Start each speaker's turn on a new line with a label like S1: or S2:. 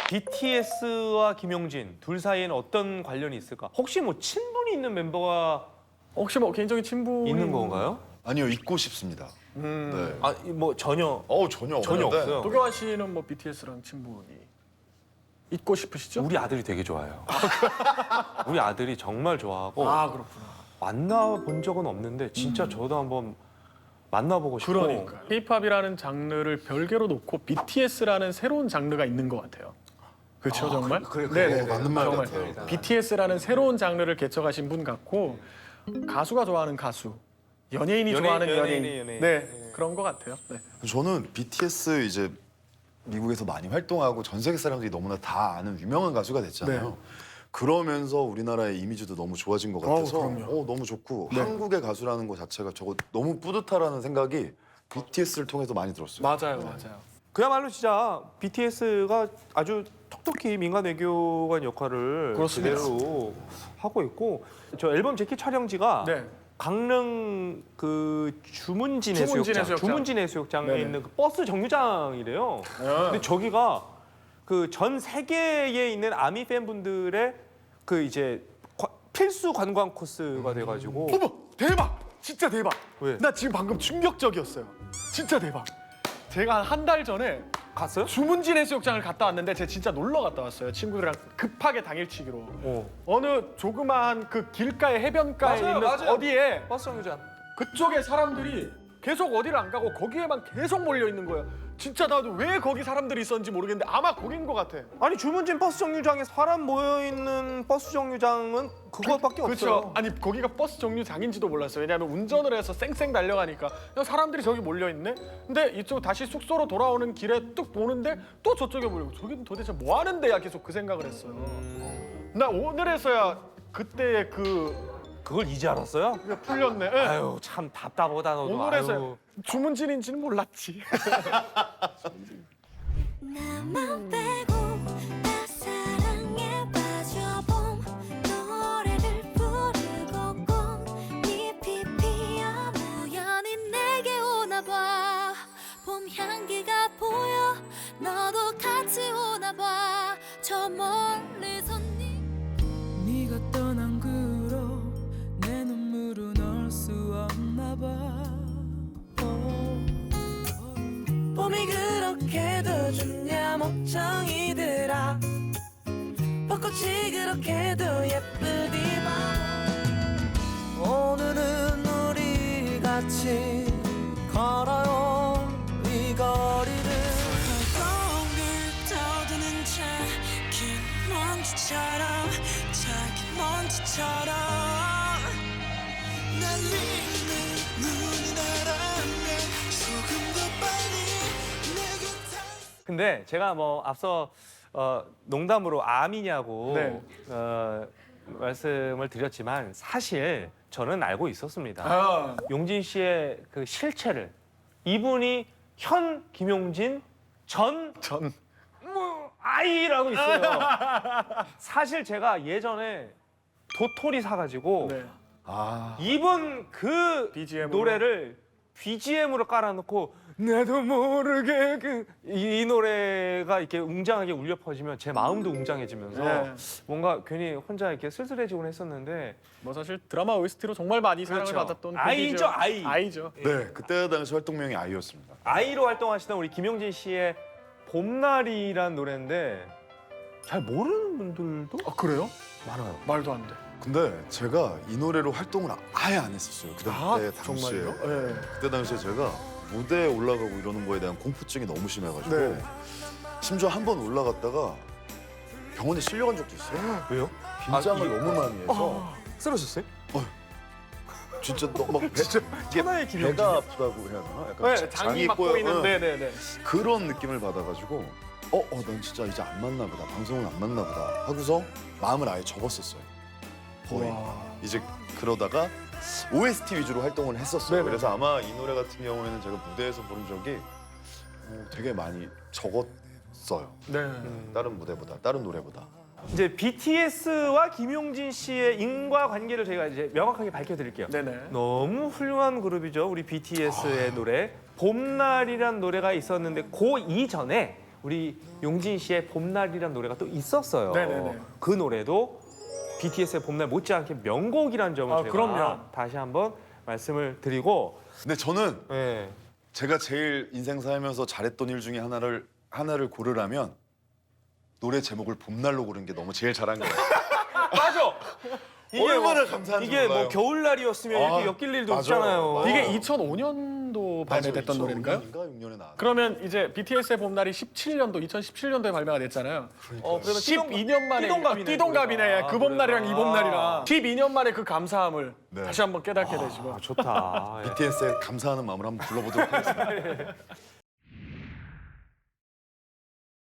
S1: BTS와 김용진 둘 사이에는 어떤 관련이 있을까? 혹시 뭐 친분이 있는 멤버가
S2: 혹시 뭐 개인적인 친분이
S1: 있는 건가요?
S3: 아니요, 있고 싶습니다. 네.
S1: 아, 뭐 전혀
S3: 전혀
S1: 전혀
S3: 없는데.
S1: 없어요.
S2: 도경환 씨는 뭐 BTS랑 친분이 있고 싶으시죠?
S1: 우리 아들이 되게 좋아해요. 우리 아들이 정말 좋아하고
S2: 아 그렇구나.
S1: 만나본 적은 없는데 진짜 저도 한번 만나보고 싶고.
S2: 그러니까 K-팝이라는 장르를 별개로 놓고 BTS라는 새로운 장르가 있는 것 같아요. 그렇죠, 정말?
S3: 그래, 맞는 말
S2: 정말.
S3: 같아요.
S2: BTS라는 새로운 장르를 개척하신 분 같고 가수가 좋아하는 가수, 연예인이 좋아하는 연예인,
S1: 연예인.
S2: 네 그런 것 같아요. 네.
S3: 저는 BTS 이제 미국에서 많이 활동하고 전 세계 사람들이 너무나 다 아는 유명한 가수가 됐잖아요.
S2: 네.
S3: 그러면서 우리나라의 이미지도 너무 좋아진 것 같아서
S2: 그럼요.
S3: 너무 좋고
S2: 네.
S3: 한국의 가수라는 것 자체가 저거 너무 뿌듯하다는 생각이 BTS를 통해서 많이 들었어요.
S2: 맞아요, 맞아요.
S1: 그야말로 진짜 BTS가 아주 톡톡히 민간 외교관 역할을
S2: 그렇습니다.
S1: 제대로 하고 있고 저 앨범 재킷 촬영지가
S2: 네.
S1: 강릉 그 주문진
S2: 주문진
S1: 해수욕장,
S2: 해수욕장.
S1: 주문진 해수욕장에
S2: 네네.
S1: 있는 그 버스 정류장이래요. 근데 저기가 그 전 세계에 있는 아미 팬분들의 그 이제 필수 관광 코스가 돼가지고
S2: 어머 대박! 진짜 대박!
S1: 왜?
S2: 나 지금 방금 충격적이었어요. 진짜 대박. 제가 한 달 전에
S1: 갔어요?
S2: 주문진 해수욕장을 갔다 왔는데 제가 진짜 놀러 갔다 왔어요. 친구들이랑 급하게 당일치기로. 어느 조그마한 그 길가에 해변가에
S1: 맞아요,
S2: 있는
S1: 맞아요.
S2: 어디에
S1: 버스 정류장.
S2: 그쪽에 사람들이 계속 어디를 안 가고 거기에만 계속 몰려 있는 거예요. 진짜 나도 왜 거기 사람들이 있었는지 모르겠는데 아마 거긴 것 같아.
S1: 아니 주문진 버스 정류장에 사람 모여 있는 버스 정류장은 그거밖에 없어요.
S2: 그렇죠. 아니 거기가 버스 정류장인지도 몰랐어요. 왜냐하면 운전을 해서 쌩쌩 달려가니까 그냥 사람들이 저기 몰려 있네. 근데 이쪽 다시 숙소로 돌아오는 길에 뚝 보는데 또 저쪽에 몰리고 저기는 도대체 뭐 하는 데야? 계속 그 생각을 했어요. 나 오늘에서야 그때의
S1: 그걸 이제 알았어요?
S2: 그게 풀렸네. 예.
S1: 아유 참 답답하다 너도.
S2: 오늘에서야
S1: 아유.
S2: 주문진인지는 몰랐지.
S4: 나만 빼고 나 사랑에 빠져봄 노래를 부르고 꽃잎이 피어 우연히 내게 오나봐 봄 향기가 보여 너도 같이 오나봐 저 멀리서
S5: 네가 떠난 그로 내 눈물은 얼 수 없나 봐. 봄이 그렇게도 좋냐 목청이들아 벚꽃이 그렇게도 예쁘디만 오늘은 우리 같이 걸어요 이 거리를
S4: 거울 떠드는 작은 먼지처럼 작은 먼지처럼 날리는 눈이 날아내 조금 더 빨리 내게
S1: 근데 제가 뭐 앞서 농담으로 암이냐고
S2: 네.
S1: 말씀을 드렸지만 사실 저는 알고 있었습니다.
S2: 아,
S1: 용진 씨의 그 실체를 이분이 현 김용진 전 아이라고 있어요. 사실 제가 예전에 도토리 사가지고
S2: 네.
S1: 이분 그
S2: BGM 으로?
S1: 노래를 BGM으로 깔아놓고 나도 모르게 이 노래가 이렇게 웅장하게 울려 퍼지면 제 마음도 웅장해지면서
S2: 네.
S1: 뭔가 괜히 혼자 이렇게 쓸쓸해지곤 했었는데
S2: 뭐 사실 드라마 OST로 정말 많이 사랑을
S1: 그렇죠.
S2: 받았던
S1: 아이죠,
S2: 곡이죠.
S1: 아이.
S2: 아이죠.
S3: 네, 그때 당시 활동명이 아이였습니다.
S1: 아이로 활동하시던 우리 김용진 씨의 봄날이란 노래인데 잘 모르는 분들도
S2: 아 그래요?
S1: 많아요.
S2: 말도 안 돼.
S3: 근데 제가 이 노래로 활동을 아예 안 했었어요. 그때 당시에.
S2: 정말요? 네.
S3: 그때 당시에 제가 무대에 올라가고 이러는 거에 대한 공포증이 너무 심해가지고
S2: 네.
S3: 심지어 한 번 올라갔다가 병원에 실려간 적도 있어요.
S1: 왜요?
S3: 긴장을 너무 많이 해서
S1: 쓰러졌어요?
S3: 진짜 너막
S1: 천하의 김용진.
S3: 배가 아프다고 해야 되나? 약간
S2: 네, 장이 막
S3: 꼬여-
S2: 보이는
S3: 응.
S2: 네네네.
S3: 그런 느낌을 받아가지고 난 진짜 이제 안 맞나 보다. 방송은 안 맞나 보다 하고서 마음을 아예 접었었어요. 거의. 이제 그러다가 OST 위주로 활동을 했었어요.
S2: 네네.
S3: 그래서 아마 이 노래 같은 경우에는 제가 무대에서 부른 적이 되게 많이 적었어요.
S2: 네.
S3: 다른 무대보다, 다른 노래보다.
S1: 이제 BTS와 김용진 씨의 인과관계를 저희가 이제 명확하게 밝혀드릴게요.
S2: 네네.
S1: 너무 훌륭한 그룹이죠. 우리 BTS의 노래 봄날이란 노래가 있었는데 그 이전에 우리 용진 씨의 봄날이라는 노래가 또 있었어요.
S2: 네네네.
S1: 그 노래도 BTS의 봄날 못지않게 명곡이라는 점을
S2: 아,
S1: 제가
S2: 그럼요.
S1: 다시 한번 말씀을 드리고
S3: 근데 저는
S1: 예.
S3: 제가 제일 인생 살면서 잘했던 일 중에 하나를 고르라면 노래 제목을 봄날로 고른 게 너무 제일 잘한 거예요.
S1: 맞아.
S3: 얼마나 감사한지
S1: 이게
S3: 몰라요.
S1: 뭐 겨울날이었으면
S3: 아,
S1: 이렇게 엮일 일도
S3: 맞아.
S1: 없잖아요.
S3: 맞아.
S2: 이게 2005년도 발매됐던 노래인가요?
S3: 6년에 나왔.
S2: 그러면 이제 BTS의 봄날이 2017년도에 발매가 됐잖아요.
S1: 그러면
S2: 12년 만에
S1: 띠동갑이네.
S2: 그 봄날이랑
S1: 노래가.
S2: 이 봄날이랑 12년 만에 그 감사함을
S3: 네.
S2: 다시 한번 깨닫게 되시고
S1: 좋다. 예.
S3: BTS의 감사하는 마음을 한번 불러보도록 하겠습니다.